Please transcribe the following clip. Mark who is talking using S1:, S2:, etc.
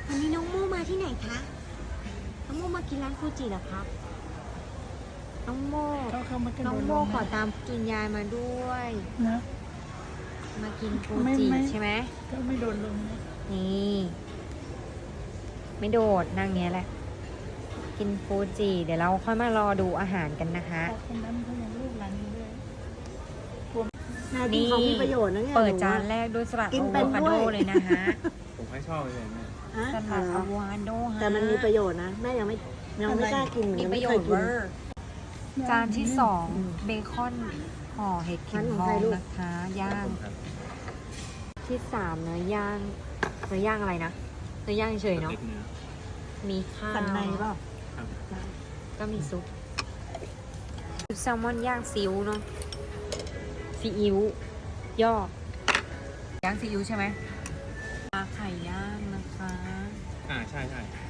S1: วันนี้น้องโมมาที่ไหนคะน้องโมมากินร้านฟูจิเหรอครับน้องโมน้องโมขอตามกินยายมาด้วย
S2: นะ
S1: มากินฟูจิใช่ไหม
S2: ก็ไม่โดนลง
S1: นี่ไม่โดดนั่งเงี้ยแหละกินฟูจิเดี๋ยวเราค่อยมารอดูอาหารกันนะคะ
S2: คนนั้นเขายังลูกหลานอยู่ด้วย
S1: นี่
S3: มีประโยชน์นะเนี่ย
S1: เปิดจานแรกด้วยสลัดอะโวคาโดเลยนะคะ
S4: ผมให้ชอบเลยแม่
S1: สลัดอะโวคาโดฮะ
S3: แต่มันมีประโยชน์นะแม่ยังไม่กล้ากิน
S1: มีประโยชน์เวอร์จานที่สองเบคอนห่อเห็ดเข็มทองนะคะย่างที่สามเนื้อย่างอะไรนะเนื้อย่างเฉยเนาะมีข้าว
S3: สันในเปล่า
S1: ก็มีซุปแซลมอนย่างซีอิ๊วเนาะซีอิ๊วย่อย่างซีอิ๊วใช่ไหมปลาไข่ย่างนะคะ
S4: ใช่